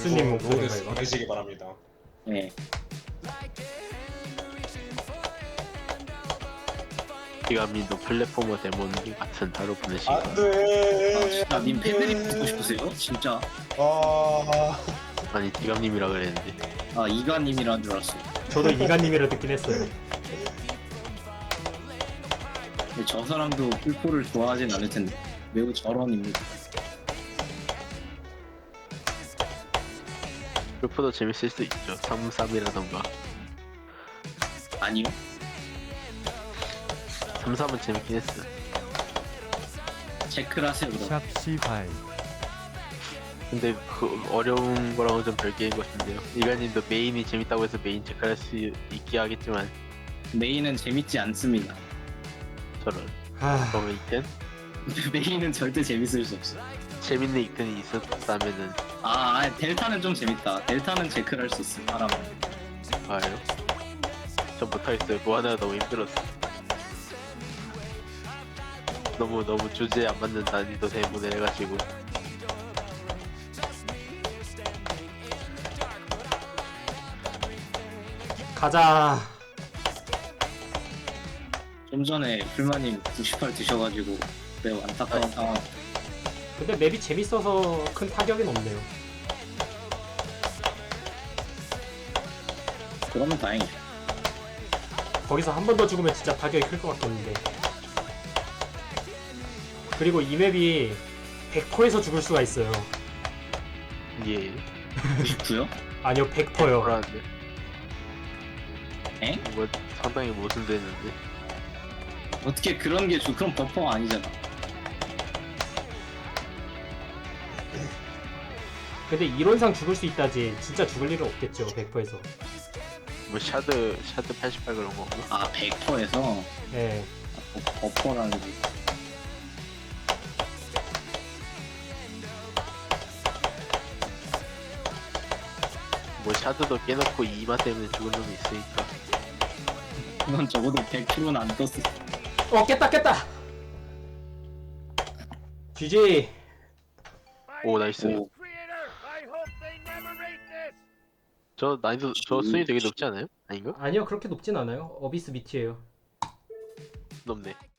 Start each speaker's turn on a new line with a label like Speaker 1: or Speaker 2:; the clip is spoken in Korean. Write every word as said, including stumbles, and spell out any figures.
Speaker 1: 닉스님 목소리인가
Speaker 2: 로드에서
Speaker 1: 이거?
Speaker 2: 보내시기 바랍니다.
Speaker 3: 네.
Speaker 4: 기감님도 플랫포머 데몬 같은 하루 보내시기
Speaker 2: 안
Speaker 4: 바랍니다.
Speaker 2: 돼.
Speaker 3: 아, 진짜 님
Speaker 2: 안 돼.
Speaker 3: 패드립 듣고 싶으세요? 진짜.
Speaker 2: 아,
Speaker 4: 아니 기감님이라 그랬는데
Speaker 3: 아, 이가님이란 줄 알았어요.
Speaker 1: 저도 이가님이라 듣긴 했어요.
Speaker 3: 근데 저 사람도 풀포를 좋아하진 않을 텐데. 매우 저런입니다.
Speaker 4: 풀포도 재밌을 수 있죠. 삼삼이라던가
Speaker 3: 아니요?
Speaker 4: 삼삼은 재밌긴 했어.
Speaker 3: 체크를 하세요, 그럼.
Speaker 5: 샵시바이
Speaker 4: 근데 그 어려운 거랑은 좀 별개인 것 같은데요. 이가님도 메인이 재밌다고 해서 메인 체크할 수 있게 하겠지만
Speaker 3: 메인은 재밌지 않습니다.
Speaker 4: 저런
Speaker 1: 하...
Speaker 4: 그러면 이텐
Speaker 3: 메인은 절대 재밌을 수 없어.
Speaker 4: 재밌는 이텐이 있었다면은
Speaker 3: 아, 아, 델타는 좀 재밌다. 델타는 체크를 할 수 있어, 사람은.
Speaker 4: 봐요. 전 못하겠어요. 뭐 하나 너무 힘들었어. 너무 너무 주제에 안 맞는 난이도 때문에 해가지고
Speaker 1: 가자.
Speaker 3: 좀 전에 불마님 구십팔 드셔가지고 매우 안타까운
Speaker 4: 아니.
Speaker 3: 상황.
Speaker 1: 근데 맵이 재밌어서 큰 타격은 없네요.
Speaker 3: 그러면 다행이죠.
Speaker 1: 거기서 한 번 더 죽으면 진짜 타격이 클 것 같겠는데. 그리고 이 맵이 백 퍼센트에서 죽을 수가 있어요.
Speaker 4: 예
Speaker 3: 구십구요?
Speaker 1: 아니요, 백 퍼센트요.
Speaker 4: 불안한데
Speaker 3: 엥?
Speaker 4: 이거 상당히 모순되는데
Speaker 3: 어떻게 그런 게 주, 그럼 버퍼가 아니잖아.
Speaker 1: 근데 이론상 죽을 수 있다지 진짜 죽을 일은 없겠죠, 백 퍼센트에서.
Speaker 4: 뭐 샤드 샤드 팔십팔 그런 거고
Speaker 3: 아, 백 퍼센트에서
Speaker 1: 예.
Speaker 3: 버퍼라는 게.
Speaker 4: 뭐 샤드도 깨놓고 이마 때문에 죽은 놈이 있으니까
Speaker 3: 그건 적어도 백 퍼센트는 안 떴어.
Speaker 1: 어, 깼다, 깼다! 지지.
Speaker 4: 오 나이스.
Speaker 3: 오,
Speaker 4: 저 난이도 저 순위 되게 높지 않아요? 아닌가?
Speaker 1: 아니요, 그렇게 높진 않아요. 어비스 밑이에요.
Speaker 4: 높네.